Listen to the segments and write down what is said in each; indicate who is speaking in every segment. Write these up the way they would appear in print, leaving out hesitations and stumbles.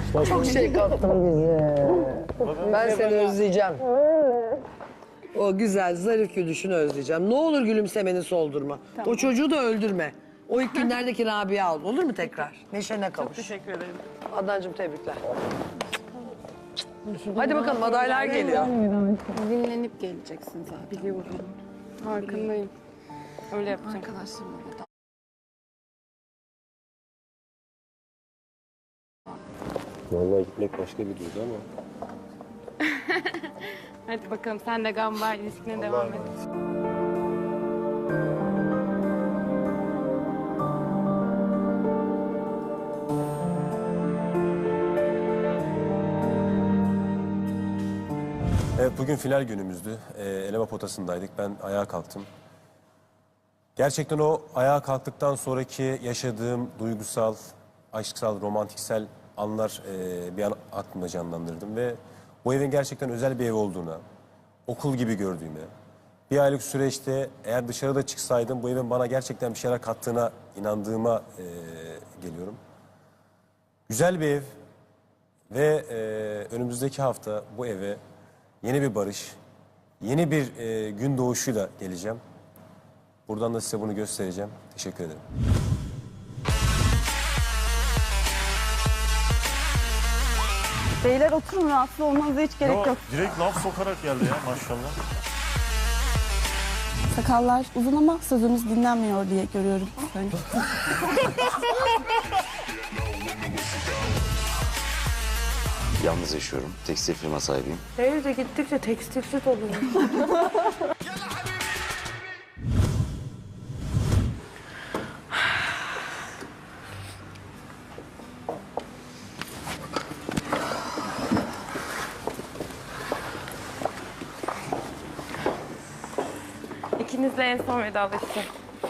Speaker 1: Çok şey kattın bize. Ben seni özleyeceğim. O güzel, zarif gülüşünü özleyeceğim. Ne olur gülümsemeni soldurma. O çocuğu da öldürme. O ilk günlerdeki Rabia al. Olur mu tekrar? Neşene kavuş.
Speaker 2: Çok teşekkür ederim.
Speaker 1: Adnancığım tebrikler. Hadi bakalım adaylar geliyor.
Speaker 3: Dinlenip geleceksin zaten.
Speaker 2: Biliyorum. Farkındayım. Öyle yapacağım.
Speaker 3: Arkadaşlarımla da.
Speaker 4: Vallahi gitmek başka bir duygu ama.
Speaker 2: Hadi bakalım sen de gamba ilişkine devam et.
Speaker 4: Evet, bugün final günümüzdü. Eleme potasındaydık. Ben ayağa kalktım. Gerçekten o ayağa kalktıktan sonraki yaşadığım duygusal, aşksal, romantiksel anlar bir an aklımda canlandırdım. Ve bu evin gerçekten özel bir ev olduğuna, okul gibi gördüğüme, bir aylık süreçte eğer dışarıda çıksaydım bu evin bana gerçekten bir şeyler kattığına inandığıma geliyorum. Güzel bir ev ve önümüzdeki hafta bu eve yeni bir barış, yeni bir gün doğuşuyla geleceğim. Buradan da size bunu göstereceğim. Teşekkür ederim.
Speaker 5: Beyler oturun, rahatsız olmanıza hiç gerek yok.
Speaker 6: Direkt laf sokarak geldi ya maşallah.
Speaker 5: Sakallar uzun ama sözümüz dinlenmiyor diye görüyorum. Ben.
Speaker 7: Yalnız yaşıyorum. Tekstil firma sahibiyim.
Speaker 3: Evde gittikçe tekstilsiz oluyor.
Speaker 2: İkinizle en son vedalaşacağım.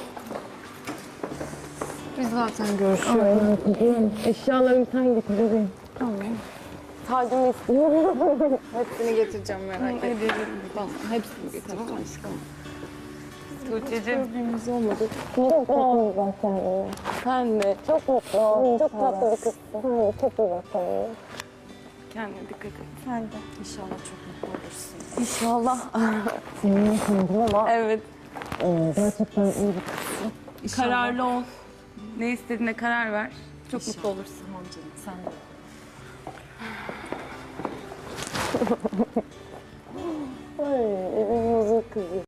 Speaker 3: Biz zaten görüşüyoruz. Eşyalarımı sen getir bebeğim. Tamam. Tacımı istiyorum. Hepsini getireceğim merak etme. Tamam, hepsini getireceğim aşkım.
Speaker 2: Tuğçe'cim.
Speaker 3: Gördüğümüz olmadı. Çok mutlu ben seninle. Sen de. Çok mutlu. Çok tatlı bir kızsın. Sen de çok iyi bak kendine.
Speaker 2: Kendine dikkat et.
Speaker 5: Sen de.
Speaker 3: İnşallah çok mutlu olursun.
Speaker 5: İnşallah.
Speaker 3: Seninle sandım ama
Speaker 2: Evet.
Speaker 3: gerçekten iyi bir kızsın.
Speaker 2: Kararlı ol. Ne istediğine karar ver. Çok mutlu olursun.
Speaker 3: Tamam canım sen de. Ay evimin huzur kızı.